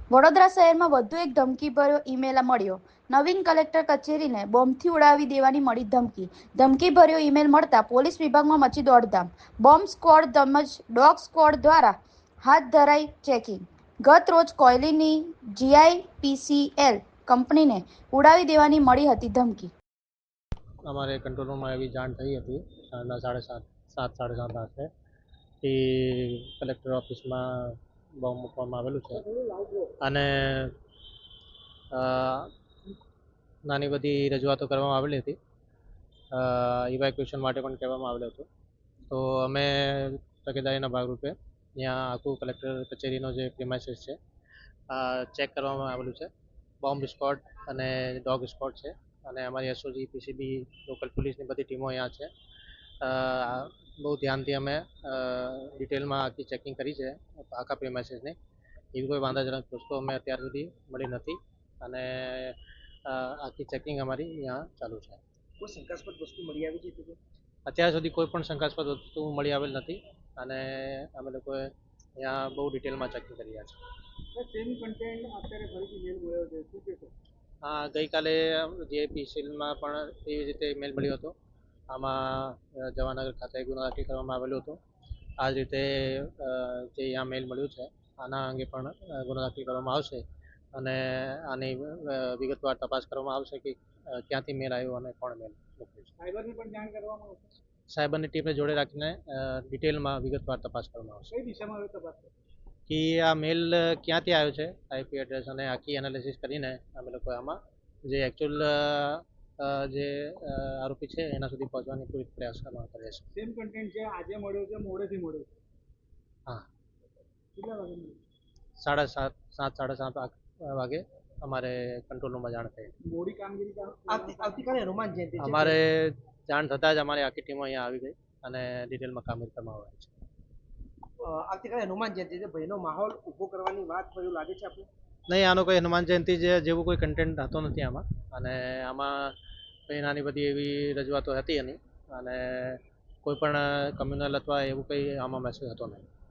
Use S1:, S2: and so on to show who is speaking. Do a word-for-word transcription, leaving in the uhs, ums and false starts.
S1: વડોદરા શહેરમાં વધુ એક ધમકીભર્યો ઈમેલ મળ્યો. નવીન કલેક્ટર કચેરીને બોમ્બથી ઉડાવી દેવાની મળી ધમકી. ધમકીભર્યો ઈમેલ મળતા પોલીસ વિભાગમાં મચી દોડધામ. બોમ્બ સ્ક્વોડ તેમજ ડોગ સ્ક્વોડ દ્વારા હાથ ધરાઈ ચેકિંગ. ગત રોજ કોયલીની જીઆઈપીસીએલ કંપનીને ઉડાવી દેવાની મળી હતી ધમકી.
S2: અમારે કંટ્રોલ રૂમમાં એવી જાણ થઈ હતી સાંજના સાડા સાત સાત સાડા સાત આઠે કે કલેક્ટર ઓફિસમાં બોમ્બ મૂકવામાં આવેલું છે અને નાની બધી રજૂઆતો કરવામાં આવેલી હતી. ઇવેક્યુએશન માટે પણ કહેવામાં આવેલું હતું. તો અમે તકેદારીના ભાગરૂપે ત્યાં આખું કલેક્ટર કચેરીનો જે પ્રિમાઇસીસ છે ચેક કરવામાં આવેલું છે. બોમ્બ સ્ક્વોડ અને ડોગ સ્ક્વોડ છે અને અમારી એસઓજી પીસીબી લોકલ પોલીસની બધી ટીમો અહીંયા છે. બહુ ધ્યાનથી અમે ડિટેલમાં આખી ચેકિંગ કરી છે આખા પ્રિમાઇસીસની. એવી કોઈ વાંધાજનક વસ્તુ અમે અત્યાર સુધી મળી નથી અને આખી ચેકિંગ અમારી અહીંયા ચાલુ છે.
S3: કોઈ શંકાસ્પદ વસ્તુ મળી આવી છે?
S2: અત્યાર સુધી કોઈ પણ શંકાસ્પદ વસ્તુ મળી આવેલ નથી અને અમે લોકોએ અહીંયા બહુ ડિટેલમાં ચેકિંગ કરી રહ્યા છે.
S3: સેમ કન્ટેન્ટ અત્યારે ફરીથી મેલ મળ્યો છે, શું કહેશો?
S2: હા, ગઈકાલે જે પીસીએલમાં પણ એવી રીતે મેલ મળ્યો હતો. આમાં જવાનગર ખાતે ગુનો દાખલ કરવામાં આવેલો હતો. આ જ રીતે જે અહીંયા મેલ મળ્યું છે આના અંગે પણ ગુનો દાખલ કરવામાં આવશે અને આની વિગતવાર તપાસ કરવામાં આવશે કે ક્યાંથી મેલ આવ્યો અને કોણ મેલ મોકલ્યો છે.
S3: સાયબરની પણ જાણ કરવામાં આવશે.
S2: સાયબરની ટીમને જોડે રાખીને ડિટેલમાં વિગતવાર તપાસ કરવામાં આવશે.
S3: કઈ દિશામાં હવે તપાસ કરશે?
S2: કે આ મેલ ક્યાંથી આવ્યો છે, આઈપી એડ્રેસ અને આખી એનાલિસિસ કરીને અમે લોકો આમાં જે એકચ્યુઅલ જે આરોપી છે એના સુધી પહોંચવાની પૂરી પ્રયાસ કરવામાં કરે છે.
S3: સેમ કન્ટેન્ટ છે, આજે મળ્યો છે, મોડેથી મળ્યો છે?
S2: હા.
S3: કેટલા વાગે મળ્યો?
S2: સાડા સાત સાત સાડા સાત વાગે અમારે કંટ્રોલ રૂમમાં જાણ થઈ.
S3: મોડી કામગીરી આવતીકાલે હનુમાન જયંતિ છે,
S2: અમારે જાણ થતાં જ અમારી આખી ટીમો અહીંયા આવી ગઈ અને ડિટેલમાં કામગીરી કરવામાં આવે છે.
S3: આવતીકાલે હનુમાન જયંતિ છે, ભયનો માહોલ ઊભો કરવાની વાત એવું લાગે છે આપણે?
S2: નહીં, આનો કોઈ હનુમાન જયંતિ જેવું કોઈ કન્ટેન્ટ હતો નથી આમાં અને આમાં કંઈ નાની બધી એવી રજૂઆતો હતી એની અને કોઈ પણ કમ્યુનલ અથવા એવું કંઈ આમાં મેસેજ હતો નહીં.